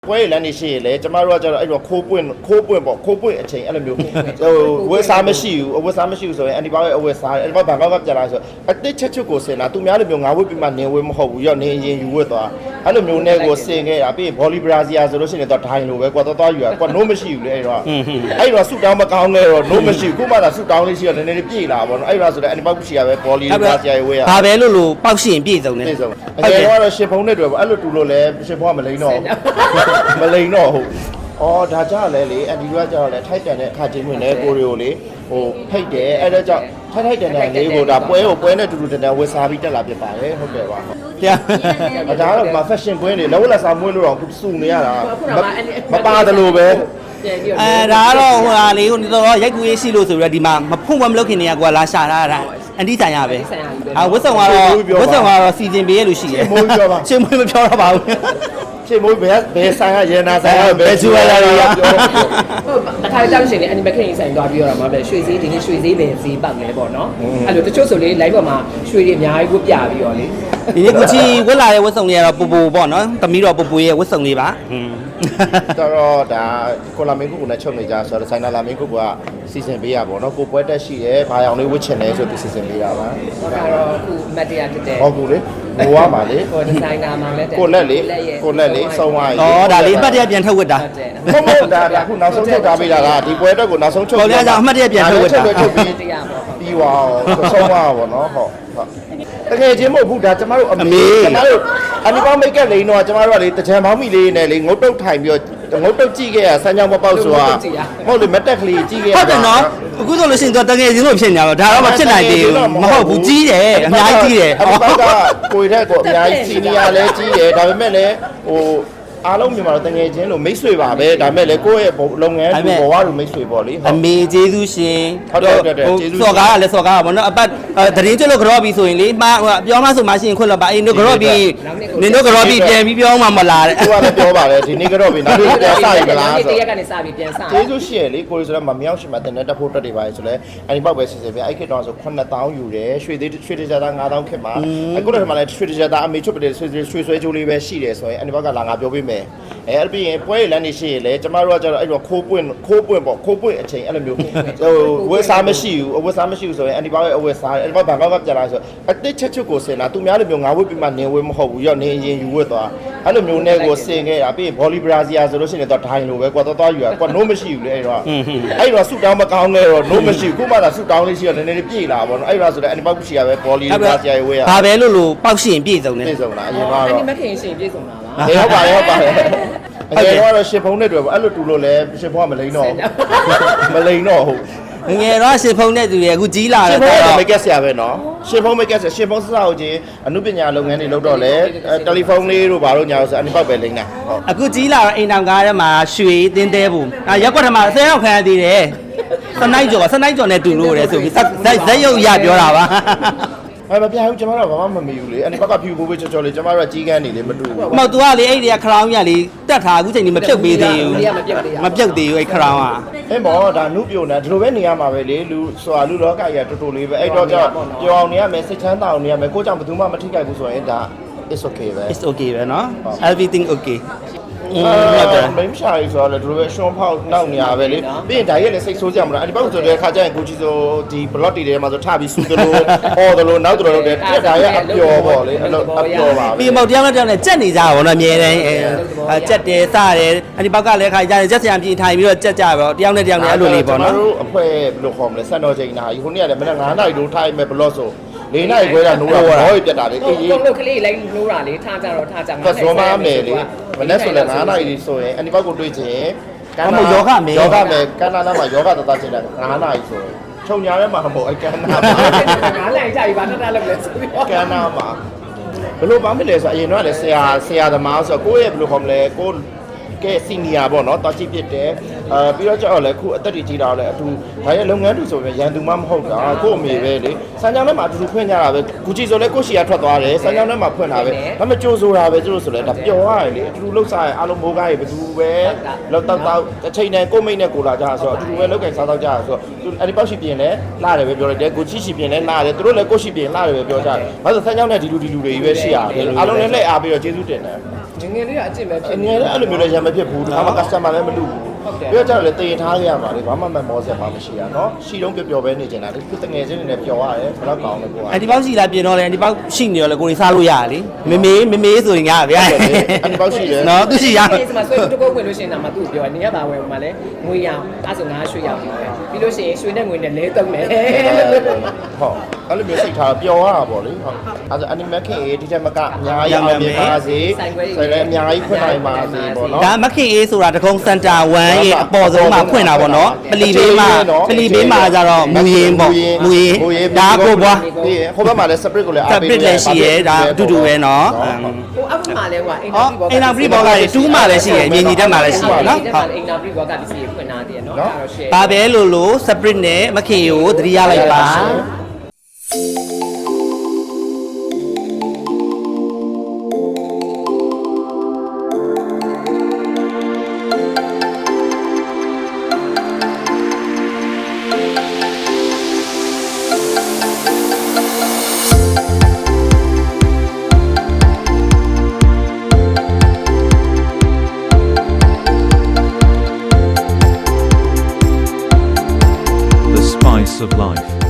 ပွဲလမ်းနေရှိရလေကျမတို့ကကျတော့အဲ့တော့ခိုးပွင့်ပေါ့ခိုးပွင့်အချိန်အဲ့လိုမျိုးဟိုဝက်စားမရှိဘူးအဝက်စားမရှိဘူးဆိုရင်အန်တီဘာရဲ့အဝက်စားအဲ့ဘာဘန်ကောက်ကပြန်လာဆိုအတစ်ချက်ကိုစင်တာသူများလိုမျိုးငါဝက်ပြီးမှနေဝက်မဟုတ်ဘူးရောနေရင်ယူဝက်သွားအဲ့လိုမျိုးနဲ့ကိုစင်ခဲ့တာပြီးဘောလီဘရာဇီယာဆိုလို့ရှိရင်တော့ဒိုင်းလိုပဲကွာသွားယူရကွာနိုးမရှိဘူးလေအဲ့တော့ဆူတောင်းမကောင်းလဲတော့နိုးမရှိဘူးခုမှသာဆူတောင်းလေးရှိတော့နည်းနည်းပြေးလာပါတော့အဲ့တော့ဆိုတော့အန်တီဘာရှိရပဲဘောလီဘရာဇီယာရဲ့ဝက်ရဘာပဲလို့ပေါက်ရှင်ပြည့်စုံနေပြည့်စုံအရင်ကတော့ရှင်ဖုံးနဲ့တွေ့ပေါ့အဲ့လိုတူလို့လဲရှင်ဖုံးကမလိန်တော့မလိန်တော့ဟုတ်အော်ဒါကြလဲလေအန်ဒီကကြတော့လဲထိုက်တန်တဲ့အခါချင်းဝင်လဲကိုရီကိုလေဟိုဖိတ်တယ်အဲ့ဒါကြောင့်ထိုက်တန်တဲ့လေးကိုဒါပွဲနဲ့တူတူတန်တန်ဝက်စားပြီးတက်လာဖြစ်ပါတယ်ဟုတ်ကဲ့ပါတရားဒါကတော့ fashion ပွဲနေလောလက်စားမွေးလို့တော့စုနေရတာမပါတယ်လို့ပဲဒါကတော့ဟိုဟာလေဟိုတော့ရိုက်ကူရေးရှိလို့ဆိုပြီးတော့ဒီမှာမဖုံမလုပ်ခင်နေရကွာလာရှာထားတာအန်တီဆိုင်ရပဲဝတ်ဆောင်ကတော့စီစဉ်ပေးရလို့ရှိတယ်ချင်းမွေးမပြောတော့ပါဘူးချင်းမွေးဘယ်ဆိုင်ရရေနာဆိုင်ရဘယ်ကျူလာရပြောဟုတ်တခါကြောက်ရှင်လေအနီမခင်ဆိုင်သွားပြီးတော့မှာပဲရွှေစည်းဒီနေ့ရွှေစည်းပဲဈေးပေါက်နေပေါ့နော်အဲ့လိုတချို့ဆိုလေ live ပေါ်မှာရွှေတွေအများကြီးဝတ်ပြပြီးတော့လေဒီနေ့ကိုချီဝတ်လာတဲ့ဝတ်ဆောင်တွေကတော့ပူပူပေါ့နော်သမီးတော့ပူပူရဲ့ဝတ်ဆောင်လေးပါတော့ဒါကိုလာမင်းကုကနဲ့ချုပ်နေကြဆိုတော့ဆိုင်နာလာမင်းကုကစီစဉ်ပေးရပါတော့ကိုပွဲတက်ရှိရဲဘာအောင်လေးဝတ်ချင်လဲဆိုပြီးစီစဉ်ပေးရပါဟုတ်ကတော့အခုမတ်တရားဖြစ်တယ်ဟုတ်ကူလေဘိုးကပါလေဟိုဒီဇိုင်နာမှာလည်းကိုလက်လေးစုံသွားပြီဩဒါလေးအမှတ်တရပြန်ထုတ်ဝတ်တာဟုတ်ဒါအခုနောက်ဆုံးထုတ်ထားပေးတာကဒီပွဲတက်ကိုနောက်ဆုံးချုပ်ပေါ်ရအောင်အမှတ်တရပြန်ထုတ်ဝတ်တာထုတ်ပြီးတရားပေါ့ပြီးသွားဆုံးသွားပါတော့ဟုတ်တကယ်ချင်းမဟုတ်ဘူးဒါကျမတို့အမေကျမတို့အနီပေါင်းမိတ်ကပ်လိန်တော့ကျမတို့ကလေတကြံပေါင်းမိလေးနဲ့လေငုတ်တုတ်ထိုင်ပြီးတော့ငုတ်တုတ်ကြည့်ခဲ့ရဆန်းချောင်းမပေါက်ဆိုတာဟုတ်လေမတက်ကလေးကြည့်ခဲ့ရဟုတ်တယ်နော်အခုဆိုလို့ရှိရင်တော့တကယ်ချင်းလို့ဖြစ်နေတော့ဒါတော့မဖြစ်နိုင်သေးဘူးမဟုတ်ဘူးကြီးတယ်အများကြီးကြီးတယ်အပေါက်ကကိုယ်ထက်ကိုအများကြီးစီနီယာလည်းကြီးတယ်ဒါပေမဲ့လည်းဟိုအားလုံးမြန်မာတော့တငယ်ချင်းလို့မိတ်ဆွေပါပဲဒါပေမဲ့လေကိုယ့်ရဲ့လုပ်ငန်းဘဝလိုမိတ်ဆွေပေါ့လေအမေကျေးဇူးရှင်ဟုတ်တယ်ကျေးဇူးစော်ကားကလည်းစော်ကားပါဘောနော်အပတ်သတင်းကျွတ်လို့ကြော့ပြီးဆိုရင်လေမှာပြောမှဆိုမှရှိရင်ခွတ်လို့ပါအေးတို့ကြော့ပြီးနင်တို့ကြော့ပြီးပြန်ပြီးပြောမှမလားတဲ့သူကလည်းပြောပါတယ်ဒီနေ့ကြော့ပြီးနောက်နေ့ပြန်စပြီမလားဆိုတော့တရက်ကနေစပြီးပြန်စကျေးဇူးရှင်လေကိုရီဆိုတော့မမြောက်ရှင်မှာတင်တဲ့တက်ဖို့တက်တွေပါဆိုလဲအဲ့ဒီပေါက်ပဲစီစဉ်ပြအဲ့ခေတ်တော့ဆို9000ယူတယ်ရွှေတကြတာ9000ခေတ်မှာအခုတော့ဒီမှာလည်းရွှေတကြတာအမေချွတ်ပတဲ့ရွှေဆွဲကြိုးလေးပဲရှိတယ်ဆိုရင်အဲ့ဒီဘောက်ကလာငါပြောပေးမယ်အဲ့ပြီးရင်ပွဲလမ်းနေရှိရလေကျမတို့ကကျတော့အဲ့တော့ခိုးပွင့်ပေါ့ခိုးပွင့်အချိန်အဲ့လိုမျိုးဟိုဝက်စားမရှိဘူးအဝက်စားမရှိဘူးဆိုရင်အန်တီဘာရဲ့အဝက်စားအဲ့ဘာဘန်ကောက်ကပြန်လာဆိုအတစ်ချက်ကိုစင်တာသူများလိုမျိုးငါဝက်ပြီးမှနေဝက်မဟုတ်ဘူးရောနေရင်ယူဝက်သွားအဲ့လိုမျိုးနဲ့ကိုစင်ခဲ့တာပြီးဘောလီဘရာဇီယာဆိုလို့ရှိရင်တော့ဒိုင်းလိုပဲကွာသွားယူရကွာနိုးမရှိဘူးလေအဲ့တော့ဆူတောင်းမကောင်းလဲတော့နိုးမရှိဘူးခုမှသာဆူတောင်းလေးရှိတော့နည်းနည်းပြေးလာပါတော့အဲ့တော့ဆိုတော့အန်တီဘာရှိရပဲဘောလီဘရာဇီယာရဲ့ဝက်ရဘာပဲလို့ပေါက်ရှင်ပြည့်စုံနေပြည့်စုံတာအရင်ကတော့အန်တီမခင်ရှင်ပြည့်စုံတာလားဟုတ်ပါတယ်အရင်ကတော့ရှင်ဖုံးနဲ့တွေ့ပေါ့အဲ့လိုတူလို့လဲရှင်ဖုံးကမလိန်တော့ဟုတ်ငယ်တော့ရှင်ဖုံးနဲ့တူရဲ့အခုကြီးလာတယ်ရှင်ဖုံးကမိတ်ကက်ဆရာပဲနော်ရှင်ဖုံးမိတ်ကက်ဆရာရှင်ဖုံးစစောက်ချင်းအမှုပညာလုပ်ငန်းတွေလုပ်တော့လဲတယ်လီဖုန်းလေးတို့ဘာလို့ညာလို့ဆိုအနိပေါက်ပဲလိမ့်တာဟုတ်အခုကြီးလာတော့အိမ်တောင်ကားထဲမှာရွှေတင်းတဲဘူးရက်ကွက်ထဲမှာ10ရောက်ခံရသေးတယ်စနိုက်ကျော်နဲ့တူလို့ရတယ်ဆိုပြီးဇက်ရုပ်ရပြောတာပါမပြဘူးကျမတို့ကဘာမှမမေ့ဘူးလေအဲ့ဒီဘက်ကဖြူပိုးပေးချော်လေကျမတို့ကကြီးကန်းနေလေမတူဘူးမဟုတ် तू ကလေအဲ့ဒီကခရောင်းကြီးကလေတက်ထားအခုချိန်ကြီးမပြုတ်ပေးသေးဘူးမပြုတ်သေးဘူးအဲ့ခရောင်းကအဲ့မောဒါနုပြုံတာဒီလိုပဲနေရမှာပဲလေလူဆိုတာလူလောကကြီးကတော်တော်လေးပဲအဲ့တော့ကြောင့်ပြောအောင်နေရမယ်စိတ်ချမ်းသာအောင်နေရမယ်ကိုကြောင့်ဘယ်သူမှမထိခိုက်ဘူးဆိုရင်ဒါ it's okay ပဲ it's okay ပဲเนาะ everything okay ဟုတ်တယ်မင်းရှာရီဆိုတော့လေဒီလိုပဲရှွန်ဖောက်နောက်နေရပဲလေပြီးရင်ဒါရက်လည်းစိတ်ဆိုးကြမလားအဲ့ဒီဘောက်ဆိုတဲ့ခါကျရင်ကိုကြီးဆိုဒီ block တွေထဲမှာဆိုထပြီးစူးတယ်လို့အော်တယ်လို့နောက်တယ်လို့တဲ့ဒါရက်အပျော်ပေါ့လေအဲ့လိုအပျော်ပါပဲပြီးမောက်တယောက်နဲ့တယောက်နဲ့ကြက်နေကြပါဘောနော်အမြဲတမ်းကြက်တယ်စတယ်အဲ့ဒီဘောက်ကလည်းခါကြတယ်ကြက်ဆံပြင်ထိုင်ပြီးတော့ကြက်ကြပါတော့တယောက်နဲ့တယောက်နဲ့အဲ့လိုလေးပေါ့နော်ကျွန်တော်တို့အဖွဲဘယ်လိုခေါ်မလဲစံတော်ချိန်နာဟိုနေ့ကလည်းမနေ့9နာရီတို့ထိုင်မဲ့ block ဆို၄နိုင်ခွဲကနိုးတာဘောကြီးပြတ်တာလေအေးတုံးလုတ်ကလေးလိုက်နိုးတာလေထားကြတော့ထားကြမှာဇောမမယ်လေမနေ့ဆိုလည်း9နိုင်လေးဆိုရင်အနိဘောက်ကိုတွေးချင်ယောဂမယ်ကန္နာနာမှာယောဂတသားချင်တယ်9နိုင်ဆိုရင်ခြုံညာထဲမှာမဟုတ်အကန္နာမှာ 9နိုင်ကြပြီဘာထပ်လုပ်လဲဆိုပြီးကန္နာမှာဘလို့ဘာမလဲဆိုအရင်တော့လည်းဆရာသမားဆိုကိုယ့်ရဲ့ဘယ်လိုခေါ်မလဲကိုကဲစီနီယာပေါ့နော်တာချိပြစ်တယ်ပြီးတော့ကြောက်လဲခုအသက်ကြီးတာလဲအတူဒါရဲ့လုပ်ငန်းတူဆိုရင်ရန်သူမှမဟုတ်တာကို့အမေပဲလေစမ်းကြောင်းထဲမှာအတူဖွင့်ကြတာပဲကူချီဆိုလဲကို့ရှီယာထွက်သွားတယ်စမ်းကြောင်းထဲမှာဖွင့်တာပဲဒါမှကြိုးဆိုတာပဲသူတို့ဆိုလဲဒါပျော်ရတယ်လေအတူလှုပ်စားရအားလုံးမိုးကားရဘယ်သူပဲလောက်တောက်တစ်ချိန်နဲ့ကို့မိတ်နဲ့ကိုလာကြဆိုတော့အတူပဲလောက်ကင်စားတော့ကြဆိုတော့သူအဲ့ဒီပေါက်ရှိပြင်လဲလာတယ်ပဲပြောလိုက်တယ်ကိုချီရှိပြင်လဲလာတယ်သူတို့လဲကို့ရှိပြင်လာတယ်ပဲပြောကြတယ်ဘာလို့စမ်းကြောင်းနဲ့ဒီလူတွေပဲရှိရတယ်အားလုံးလည်းလက်အားပြီးတော့ကျေးဇူးတင်တယ်ငယ်လေးကအကျင့်ပဲဖြစ်နေတယ်အဲ့လိုမျိုးလဲရမဖြစ်ဘူးဒီမှာ customer လည်းမလူဘူးပြီးတော့ကျတော့လေတင်ထားခဲ့ရမှာလေဘာမှမမောစရာမရှိရနော်ရှိတော့ပျော်ပဲနေနေတာလေသူတငယ်ချင်းတွေနဲ့ပျော်ရတယ်ဘယ်တော့ကောင်းလဲကိုကအန်တီပေါက်ရှိလာပြင်တော့လေအန်တီပေါက်ရှိနေတော့လေကိုရီစားလို့ရလေမေမေဆိုရင်ငါဗျာအန်တီပေါက်ရှိတယ်နော်သူရှိရဒီမှာဆွေတကုတ်ဝင်လို့ရှိရင်တော့မသူ့ပြောနေရပါဝယ်မှာလဲငွေရအောင်အဲ့ဆိုငါရွှေရအောင်ပြီးလို့ရှိရင်ရွှေနဲ့ငွေနဲ့လဲတုံးမယ်ဟုတ်အဲ့လိုမျိုးစိတ်ထားပျော်ရတာပေါ့လေဟုတ်အဲ့ဒါ animal ခင်ရေးဒီတက်မကအများကြီးအောင်မြင်ပါစေဆိုလည်းအများကြီးဖွင့်နိုင်ပါစေပေါ့နော်ဒါမခင်အေးဆိုတာတကုံစင်တာ1ရဲ့အပေါ်ဆုံးမှာဖွင့်တာပေါ့နော်ပလီဘေးမှာကျတော့မူရင်ပေါ့မူရင်ဒါကိုပွားဒီဟိုဘက်မှာလည်း separate ကိုလည်း separate လည်းရှိရဲဒါအတူတူပဲနော်ဟိုအောက်မှာလဲကွာအိမ်ဟောအိမ်နာပရိဘောကလည်း2မှာလည်းရှိရဲမြင်ကြီးတက်မှာလည်းရှိရဲနော်ဟုတ်အိမ်နာပရိဘောကပစ္စည်းဖွင့်ထားတယ်နော်အဲ့တော့ share ဒါပဲလို့ separate နဲ့မခင်ကိုသတိရလိုက်ပါ The spice of life.